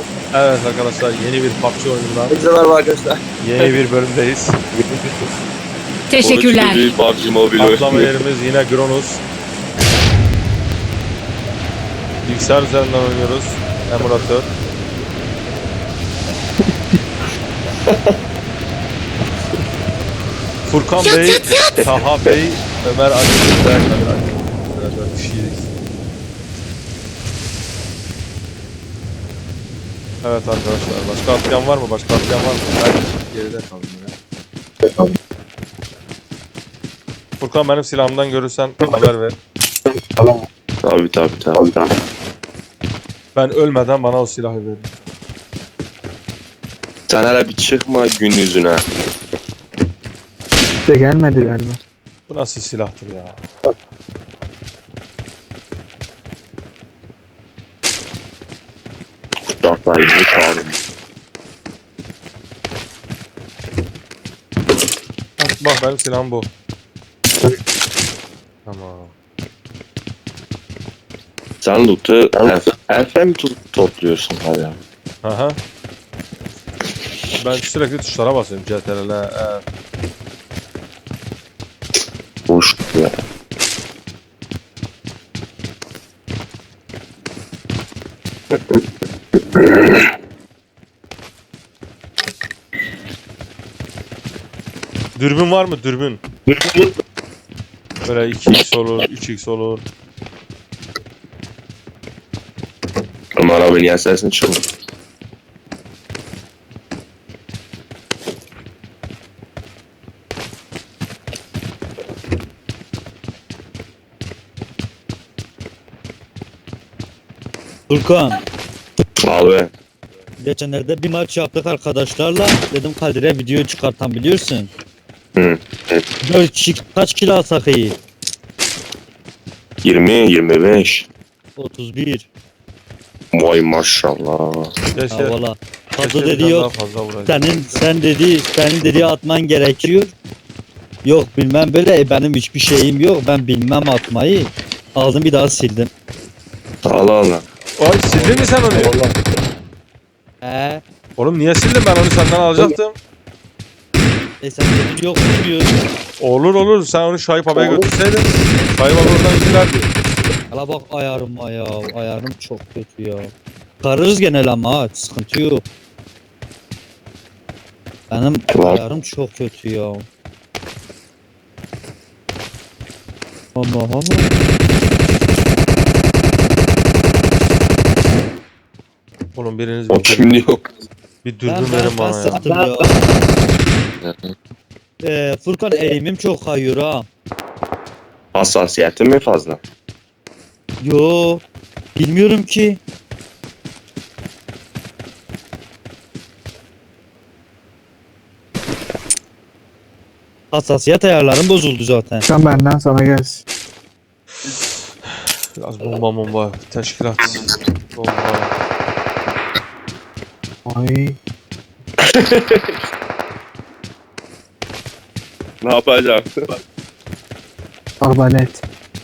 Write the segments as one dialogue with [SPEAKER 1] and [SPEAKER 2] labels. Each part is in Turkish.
[SPEAKER 1] Evet arkadaşlar, yeni bir PUBG oyunundan
[SPEAKER 2] Merhaba arkadaşlar.
[SPEAKER 1] yeni bir bölümdeyiz.
[SPEAKER 3] Teşekkürler.
[SPEAKER 2] Bir PUBG Mobile
[SPEAKER 1] Atlama
[SPEAKER 2] oynuyor.
[SPEAKER 1] yerimiz yine Gronus. Bilgisayar üzerinden oynuyoruz. Emülatör. Furkan Bey, Taha Bey, Ömer Ali, Ömer kişiyiz. Evet arkadaşlar, başka atlayan var mı? Başka atlayan var mı? Ben geride kaldım ya. Furkan, benim silahımdan görürsen haber ver.
[SPEAKER 2] Tabii.
[SPEAKER 1] Ben ölmeden bana o silahı verin.
[SPEAKER 2] Sen hele bir çıkma gün yüzüne.
[SPEAKER 4] De gelmedi galiba.
[SPEAKER 1] Bu nasıl silahtır ya?
[SPEAKER 2] Kuşaklarını çağırın.
[SPEAKER 1] Bak benim silahım bu. Tamam.
[SPEAKER 2] Sen loot'u FM topluyorsun hala.
[SPEAKER 1] Aha. Ben sürekli tuşlara basıyorum. CTRL,
[SPEAKER 2] Boş ya.
[SPEAKER 1] Dürbün var mı? Dürbün. Böyle 2x olur, 3x olur.
[SPEAKER 2] Ama arabanın yersesini çıkma.
[SPEAKER 5] Furkan,
[SPEAKER 2] Abi.
[SPEAKER 5] geçenlerde bir maç yaptık arkadaşlarla. Dedim Kadir'e video çıkartan biliyorsun.
[SPEAKER 2] Hı.
[SPEAKER 5] 4 kişi kaç kilo alsak iyi?
[SPEAKER 2] 20-25.
[SPEAKER 5] 31.
[SPEAKER 2] Vay maşallah.
[SPEAKER 1] Keşke,
[SPEAKER 5] Ha valla.
[SPEAKER 1] keşke
[SPEAKER 5] Fazla
[SPEAKER 1] bir
[SPEAKER 5] dedi
[SPEAKER 1] tane daha
[SPEAKER 5] yok.
[SPEAKER 1] fazla vurayım.
[SPEAKER 5] Senin dediği atman gerekiyor. Yok bilmem böyle benim hiçbir şeyim yok. Ben bilmem atmayı. Aldım bir daha sildim.
[SPEAKER 2] Allah.
[SPEAKER 1] Oy, sildin mi sen onu?
[SPEAKER 5] He.
[SPEAKER 1] Oğlum niye sildin? Ben onu senden alacaktım.
[SPEAKER 5] Sen dedin yok diyor.
[SPEAKER 1] Olur. Sen onu Şahip abiye götürseydin. Şahip abi oradan yüklerdi.
[SPEAKER 5] Hala bak ayarım çok kötü ya. Kararız genel ama ha, sıkıntı yok. Benim
[SPEAKER 2] Var.
[SPEAKER 5] ayarım çok kötü ya. Allah Allah.
[SPEAKER 1] Oğlum biriniz
[SPEAKER 2] O şimdi yok.
[SPEAKER 1] bir dürbün verin bana ya.
[SPEAKER 5] sattım ya. Furkan eğimim çok kayıyor ha.
[SPEAKER 2] Hassasiyetin mi fazla?
[SPEAKER 5] Yo. Bilmiyorum ki. Hassasiyet ayarlarım bozuldu zaten.
[SPEAKER 4] Sen benden sana gelsin.
[SPEAKER 1] Biraz bomba. Teşkilat. Bomba.
[SPEAKER 4] Ay.
[SPEAKER 2] Ne yapacaksın?
[SPEAKER 4] Arbalet.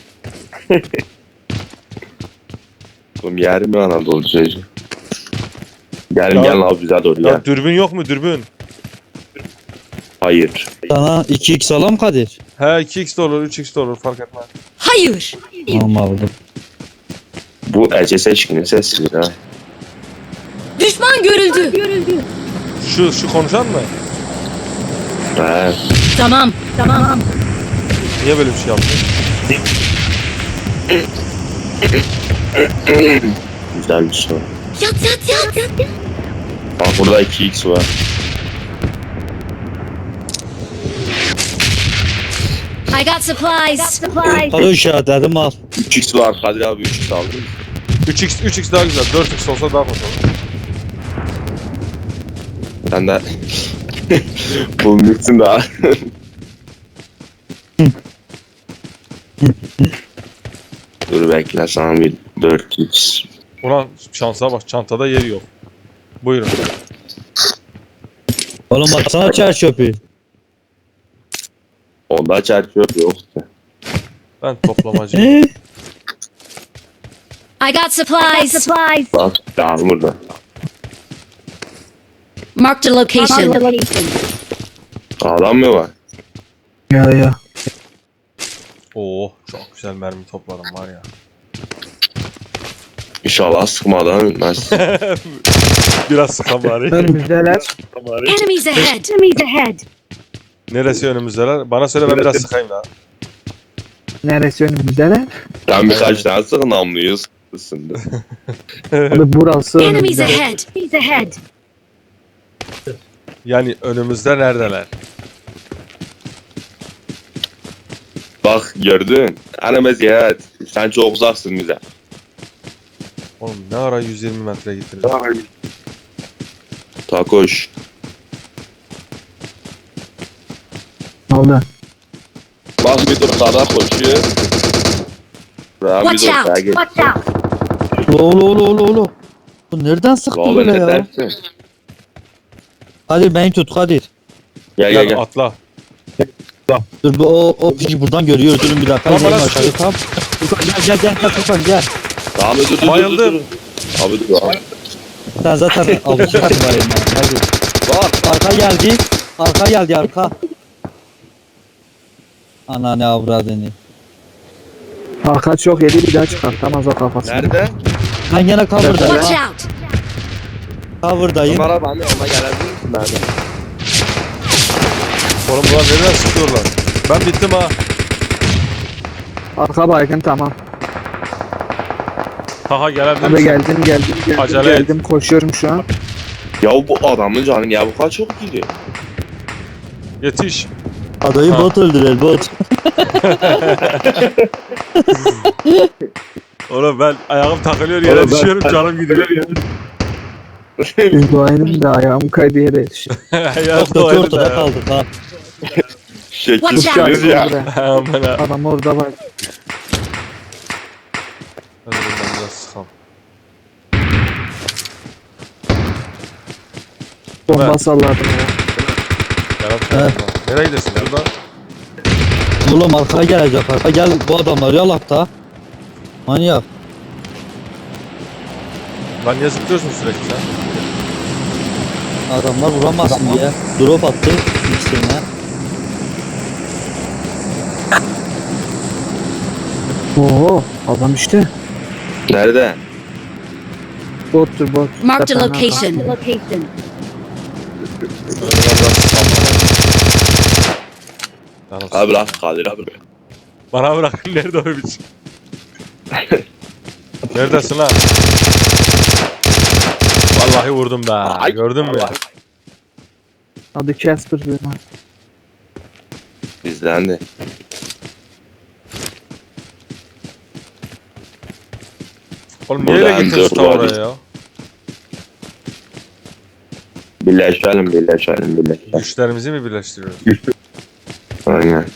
[SPEAKER 2] Oğlum yer mi Anadolu çocuğu?
[SPEAKER 1] Ya-
[SPEAKER 2] Gel abi bize doğru
[SPEAKER 1] Ya
[SPEAKER 2] gel.
[SPEAKER 1] dürbün yok mu dürbün?
[SPEAKER 2] Hayır.
[SPEAKER 5] Sana 2x alam Kadir.
[SPEAKER 1] He 2x de olur 3x de olur fark etmez.
[SPEAKER 3] Hayır.
[SPEAKER 5] Tamam aldım.
[SPEAKER 2] Bu Ece Seçkin'in sesi ha.
[SPEAKER 3] Düşman görüldü.
[SPEAKER 1] Şu konuşan mı?
[SPEAKER 2] He.
[SPEAKER 3] Tamam.
[SPEAKER 1] Niye böyle bir şey yaptın?
[SPEAKER 2] Güzel bir soru.
[SPEAKER 3] Yat.
[SPEAKER 2] Bak burada 2x var.
[SPEAKER 3] I got supplies.
[SPEAKER 5] Kado işaretledim al.
[SPEAKER 2] 3x var Kadir abi 3x aldın mı?
[SPEAKER 1] 3x daha güzel. 4x olsa daha hoş olur.
[SPEAKER 2] Sen de bulmuşsun daha. Dur bekle sana bir 4x.
[SPEAKER 1] Ulan şansa bak, çantada yeri yok. Buyurun.
[SPEAKER 5] Oğlum baksana çer çöpü.
[SPEAKER 2] Onda çerçöp yoktu.
[SPEAKER 1] Ben toplamacıyım.
[SPEAKER 3] I got supplies.
[SPEAKER 2] Bak daha burada.
[SPEAKER 3] Marked a location.
[SPEAKER 2] Adam mı var?
[SPEAKER 4] Ya.
[SPEAKER 1] Oo çok güzel mermi topladım var ya.
[SPEAKER 2] İnşallah sıkmadan ölmez.
[SPEAKER 1] Biraz sıkan bari.
[SPEAKER 4] Önümüzdeler.
[SPEAKER 3] Enemies ahead. Enemies ahead.
[SPEAKER 1] Neresi önümüzdeler? Bana söyle ben biraz sıkayım daha.
[SPEAKER 4] Neresi önümüzdeler?
[SPEAKER 2] Ben birkaç tane sıkın namluyuz. Isındı.
[SPEAKER 4] Abi burası
[SPEAKER 3] Enemies
[SPEAKER 4] önümüzde.
[SPEAKER 3] ahead. Enemies ahead.
[SPEAKER 1] Yani önümüzde neredeler?
[SPEAKER 2] Bak gördün. Ana meziyet. Sen çok uzaksın bize.
[SPEAKER 1] Oğlum ne ara 120 metre gittiniz?
[SPEAKER 2] Takoş.
[SPEAKER 4] Ne oldu?
[SPEAKER 2] Bak bir dur sağda koşuyor. Daha bir
[SPEAKER 3] Watch
[SPEAKER 2] dur sağa
[SPEAKER 3] out.
[SPEAKER 2] geç.
[SPEAKER 3] Watch out.
[SPEAKER 5] Oğlu. Bu nereden sıktı
[SPEAKER 2] Oğlum
[SPEAKER 5] böyle
[SPEAKER 2] ne
[SPEAKER 5] ya?
[SPEAKER 2] dersin?
[SPEAKER 5] Kadir beni tut Kadir.
[SPEAKER 2] Gel.
[SPEAKER 1] Atla.
[SPEAKER 5] Dur o piçi buradan görüyor. Durun bir dakika.
[SPEAKER 1] Tamam,
[SPEAKER 5] Tamam,
[SPEAKER 1] bana
[SPEAKER 5] aşağıya tamam. Gel Furkan gel.
[SPEAKER 2] Tamam dur.
[SPEAKER 1] Bayıldım.
[SPEAKER 2] Abi dur abi.
[SPEAKER 5] Sen zaten avucu var ya. Hadi.
[SPEAKER 2] Bak.
[SPEAKER 5] Arka geldi arka. Ana ne avradını.
[SPEAKER 4] Arka çok yedi bir daha çıkartamaz o kafasını.
[SPEAKER 2] Nerede?
[SPEAKER 5] Ben gene
[SPEAKER 3] Watch
[SPEAKER 5] cover'dayım.
[SPEAKER 3] out.
[SPEAKER 5] Cover'dayım.
[SPEAKER 2] Numara bende. Ona gelebilir misin bende?
[SPEAKER 1] Oğlum bunlar nereden sıkıyorlar? Ben bittim ha.
[SPEAKER 4] Arka baygın tamam.
[SPEAKER 1] Haha gelebilir
[SPEAKER 4] Abi
[SPEAKER 1] misin?
[SPEAKER 4] geldim
[SPEAKER 1] Acele et.
[SPEAKER 4] geldim koşuyorum şu an.
[SPEAKER 2] Ya bu adamın canı ya bu kadar çok gidiyor.
[SPEAKER 1] Yetiş.
[SPEAKER 5] Adayı
[SPEAKER 1] Ha.
[SPEAKER 5] bot öldürer bot.
[SPEAKER 1] Oğlum ben ayağım takılıyor yere
[SPEAKER 2] Oğlum ben-
[SPEAKER 1] düşüyorum canım gidiyor.
[SPEAKER 4] Duayım da ayağım kaydı yere yetişiyor.
[SPEAKER 1] Ayağım
[SPEAKER 5] Çok kötü
[SPEAKER 1] doydu
[SPEAKER 5] ortada
[SPEAKER 1] da.
[SPEAKER 5] kaldık ha.
[SPEAKER 2] Şekilsiz ya.
[SPEAKER 1] Aman ha.
[SPEAKER 4] Adam orada var.
[SPEAKER 1] Hadi bundan biraz sıkalım.
[SPEAKER 4] Bomba
[SPEAKER 1] Evet.
[SPEAKER 4] salladım ya.
[SPEAKER 1] Yarat nereye gidiyorsun burada?
[SPEAKER 5] Oğlum arkaya gelecek arka. Gel bu adamları yalak da. Manyak.
[SPEAKER 1] Lan niye zıplıyorsun sürekli sen?
[SPEAKER 5] Adamlar vuramazsın diye. Drop attı ikisine.
[SPEAKER 4] Oo adam işte.
[SPEAKER 2] Nerede?
[SPEAKER 4] Bottur bot.
[SPEAKER 3] Marked a
[SPEAKER 4] Tepene
[SPEAKER 3] location.
[SPEAKER 1] Şöyle biraz sıkalım. Canım
[SPEAKER 2] Abi bırak Kadir abi.
[SPEAKER 1] bana bırak nerede o biç? Neredesin lan? Vallahi vurdum be.
[SPEAKER 2] Ay,
[SPEAKER 1] Gördün mü ya?
[SPEAKER 2] Allah.
[SPEAKER 4] Adı Casper diyor.
[SPEAKER 2] Bizdendi.
[SPEAKER 1] Oğlum niye
[SPEAKER 2] Burada
[SPEAKER 1] öyle getirdin
[SPEAKER 2] M4
[SPEAKER 1] ta
[SPEAKER 2] var.
[SPEAKER 1] oraya ya?
[SPEAKER 2] Birleşelim.
[SPEAKER 1] Güçlerimizi mi birleştiriyoruz?
[SPEAKER 2] Aynen.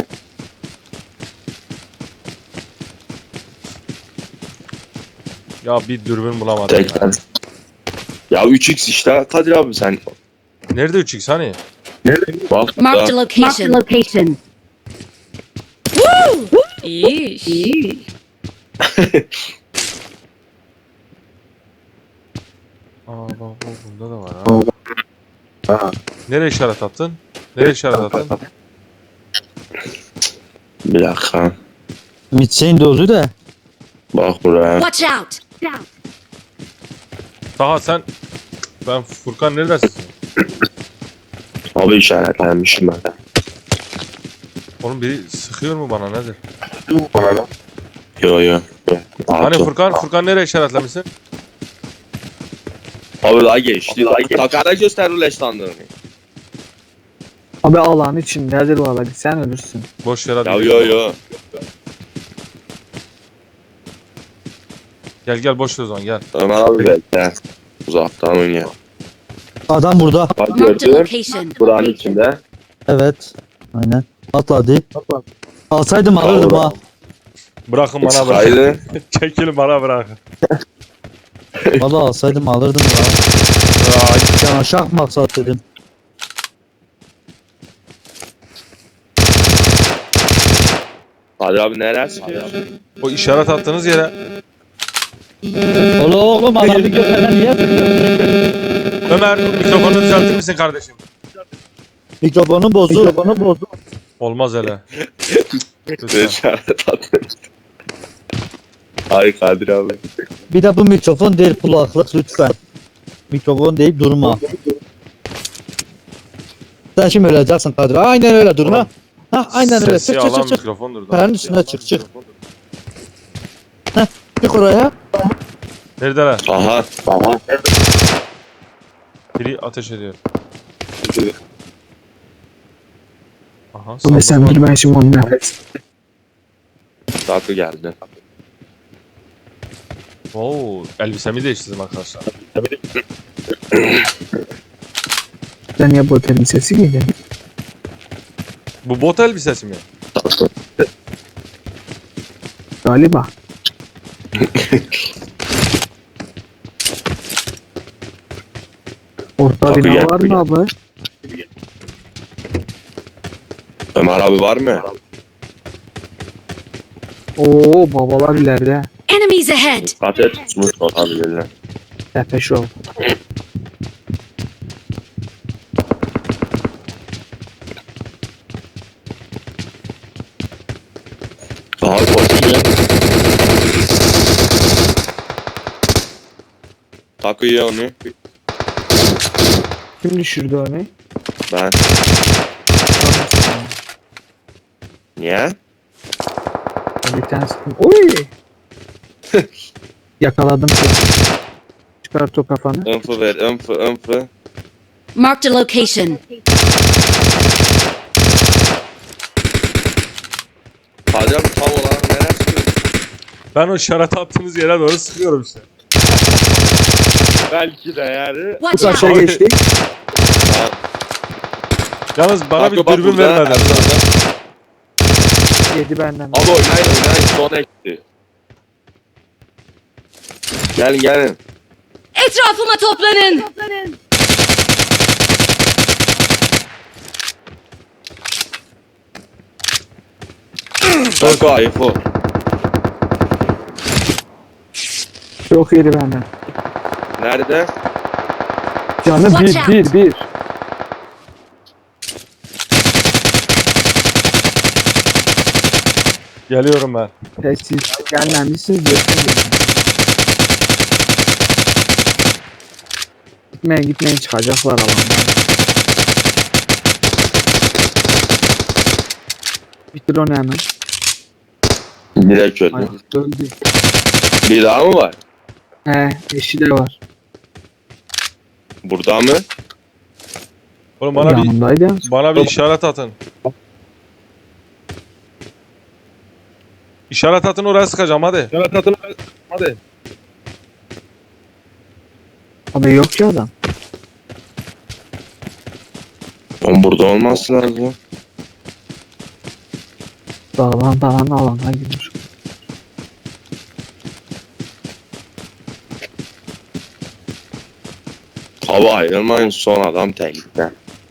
[SPEAKER 1] Ya bir dürbün bulamadım ya.
[SPEAKER 2] Tekrar. Ya 3x işte Kadir abi sen.
[SPEAKER 1] Nerede 3x hani?
[SPEAKER 2] Bak
[SPEAKER 3] Marked a
[SPEAKER 2] da.
[SPEAKER 3] location. Woo! Yeesh.
[SPEAKER 1] Aa bak bunda da var ha. Nereye işaret attın? Nereye işaret attın?
[SPEAKER 2] Bir dakika.
[SPEAKER 5] Mitsein dozu da.
[SPEAKER 2] Bak buraya.
[SPEAKER 3] Watch out.
[SPEAKER 1] Taha sen... Ben Furkan neredesin?
[SPEAKER 2] Abi işaretlenmişim ben.
[SPEAKER 1] Oğlum biri sıkıyor mu bana nedir?
[SPEAKER 2] Yo.
[SPEAKER 1] Hani Furkan nereye işaretlemişsin?
[SPEAKER 2] Abi daha geçti. Takara göster ulaşlandığını.
[SPEAKER 4] Abi Allah'ın içindedir valla sen ölürsün.
[SPEAKER 1] Boş yere
[SPEAKER 2] Ya
[SPEAKER 1] değil.
[SPEAKER 2] yo.
[SPEAKER 1] Gel boş ver o zaman gel.
[SPEAKER 2] Ömer abi bekle. Uzaktan oynuyor.
[SPEAKER 5] Adam burada.
[SPEAKER 2] Bak
[SPEAKER 3] Marked a
[SPEAKER 2] gördün.
[SPEAKER 3] location.
[SPEAKER 2] Buranın içinde.
[SPEAKER 5] Evet. Aynen. Atladı. Alsaydım alırdım ha.
[SPEAKER 1] Bırakın bana bırakın.
[SPEAKER 2] Haydi.
[SPEAKER 1] Çekilin bana bırakın.
[SPEAKER 5] Valla alsaydım alırdım ya.
[SPEAKER 1] Ay,
[SPEAKER 5] Can aşağı maksat dedim.
[SPEAKER 2] Kadir abi neresi?
[SPEAKER 1] o işaret attığınız yere
[SPEAKER 5] Oğlum adamı görmeden niye
[SPEAKER 1] Ömer mikrofonu düzeltir misin kardeşim?
[SPEAKER 5] Mikrofonu bozuk.
[SPEAKER 1] Olmaz hele.
[SPEAKER 2] Ne
[SPEAKER 1] Lütfen.
[SPEAKER 2] işaret attın? Ay Kadir abi.
[SPEAKER 5] Bir de bu mikrofon değil, kulaklık lütfen. Mikrofon deyip durma. Sen şimdi öleceksin Kadir. Aynen öyle durma. Ha aynen öyle.
[SPEAKER 1] Sesi
[SPEAKER 5] Çık çık
[SPEAKER 1] alan
[SPEAKER 5] çık çık.
[SPEAKER 1] mikrofondur.
[SPEAKER 5] Kayanın üstüne çık çık. Çık oraya.
[SPEAKER 1] Neredeler?
[SPEAKER 2] Aha.
[SPEAKER 1] Biri ateş ediyor. Aha.
[SPEAKER 4] Bu mesela dur ben şimdi onu nefes.
[SPEAKER 2] Tatlı geldi.
[SPEAKER 1] Oo, elbisemi değiştirdim arkadaşlar.
[SPEAKER 4] Sen niye bu otelin sesi giydin?
[SPEAKER 1] Bu bot elbisesi mi?
[SPEAKER 4] Galiba. Orta
[SPEAKER 2] Kapı
[SPEAKER 4] bina
[SPEAKER 2] gel,
[SPEAKER 4] var
[SPEAKER 2] kapı
[SPEAKER 4] mı abi?
[SPEAKER 2] Ömer abi var mı?
[SPEAKER 4] Oo babalar ileride.
[SPEAKER 3] Enemies ahead!
[SPEAKER 2] Dikkat et. Tutmuş olabilirler.
[SPEAKER 4] Tepe şov.
[SPEAKER 2] Daha koşuyor. Takıyor onu.
[SPEAKER 4] Kim düşürdü onu?
[SPEAKER 2] Ben. Niye?
[SPEAKER 4] Bir tanesi. Oy! Yakaladım seni. Çıkart o kafanı.
[SPEAKER 2] Info ver. Info.
[SPEAKER 3] Marked a location.
[SPEAKER 2] Kadir abi tam olarak nereye sıkıyorsun?
[SPEAKER 1] Ben o işaret attığınız yere doğru sıkıyorum işte.
[SPEAKER 2] Belki de yani.
[SPEAKER 4] Bu
[SPEAKER 3] Watch
[SPEAKER 4] karşıya
[SPEAKER 3] out!
[SPEAKER 4] geçtik.
[SPEAKER 2] Ha,
[SPEAKER 1] Yalnız bana bir
[SPEAKER 2] bak
[SPEAKER 1] dürbün
[SPEAKER 2] burada,
[SPEAKER 1] vermedi.
[SPEAKER 2] Erdoğan'da.
[SPEAKER 4] Yedi benden.
[SPEAKER 2] Abi oynayın. Son ekti. Gelin.
[SPEAKER 3] Etrafıma toplanın!
[SPEAKER 2] Çok ayıp o.
[SPEAKER 4] Çok yedi benden.
[SPEAKER 2] Nerede?
[SPEAKER 4] Canı
[SPEAKER 3] Watch
[SPEAKER 4] bir.
[SPEAKER 1] Geliyorum ben.
[SPEAKER 4] Siz gelmemişsiniz. Gitmeyin çıkacaklar alandan. Bitir onu hemen.
[SPEAKER 2] Direkt öldü.
[SPEAKER 4] Ay, öldü.
[SPEAKER 2] Bir daha mı var?
[SPEAKER 4] He eşi de var.
[SPEAKER 2] Burada mı?
[SPEAKER 1] Oğlum
[SPEAKER 4] Yanımdaydı.
[SPEAKER 1] bana bir işaret atın. İşaret atın, oraya sıkacağım hadi.
[SPEAKER 4] Abi yok ki adam.
[SPEAKER 2] Oğlum burada olması lazım.
[SPEAKER 4] Dağlan alana girmiş.
[SPEAKER 2] Hava ayrılmayın, son adam tehlikede.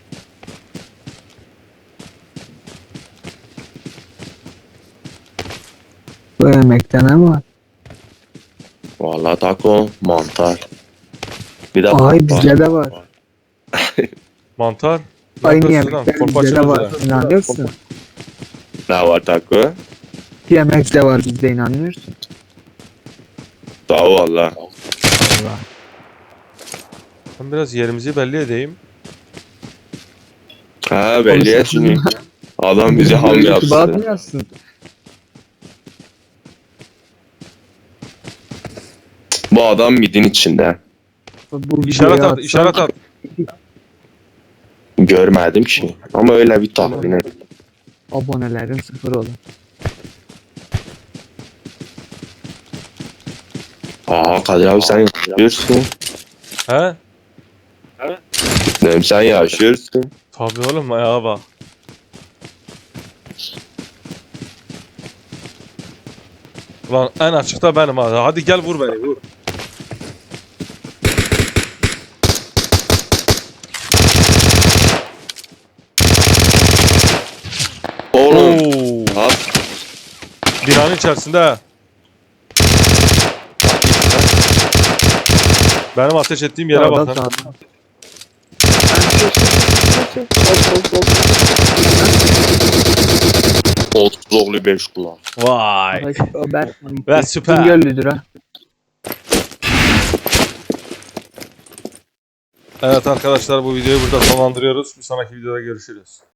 [SPEAKER 4] Bu yemekte ne var?
[SPEAKER 2] Vallahi taco, mantar. Bir de
[SPEAKER 4] Ay
[SPEAKER 2] var.
[SPEAKER 4] bizde de var.
[SPEAKER 1] Mantar. Ne
[SPEAKER 4] Aynı
[SPEAKER 1] yapıyorsun lan?
[SPEAKER 4] yemekler
[SPEAKER 1] Korkma
[SPEAKER 4] bizde de var.
[SPEAKER 1] çözüyor.
[SPEAKER 4] İnanıyorsun.
[SPEAKER 2] Ne var taco?
[SPEAKER 4] Yemek de var bizde inanmıyorsun.
[SPEAKER 2] Sağ ol valla.
[SPEAKER 4] Allah.
[SPEAKER 1] Ben biraz yerimizi belli edeyim.
[SPEAKER 2] Ha belli et şimdi. Adam bizi ham yapsın.
[SPEAKER 4] Bakmıyorsun.
[SPEAKER 2] Bu adam midin içinde.
[SPEAKER 4] Bu
[SPEAKER 1] İşaret
[SPEAKER 4] videoyu
[SPEAKER 1] at,
[SPEAKER 4] atsan-
[SPEAKER 1] işaret at.
[SPEAKER 2] Görmedim ki. Ama öyle bir tahmin et.
[SPEAKER 4] Abonelerin sıfır olur.
[SPEAKER 2] Aa Kadir abi sen yaşıyorsun.
[SPEAKER 1] He?
[SPEAKER 2] Dedim sen yaşıyorsun.
[SPEAKER 1] Tabii oğlum, ayağa bak. Ulan en açıkta benim ha. Hadi gel vur beni, vur.
[SPEAKER 2] Oğlum.
[SPEAKER 1] Oo.
[SPEAKER 2] At.
[SPEAKER 1] Binanın içerisinde ha. Benim ateş ettiğim yere
[SPEAKER 4] Sağda
[SPEAKER 1] bakın.
[SPEAKER 4] sağda.
[SPEAKER 2] Oğlu 5 kulak.
[SPEAKER 1] Vay.
[SPEAKER 4] O ben
[SPEAKER 1] Ve süper.
[SPEAKER 4] Bingöllüdür ha.
[SPEAKER 1] Evet arkadaşlar bu videoyu burada sonlandırıyoruz. Bir sonraki videoda görüşürüz.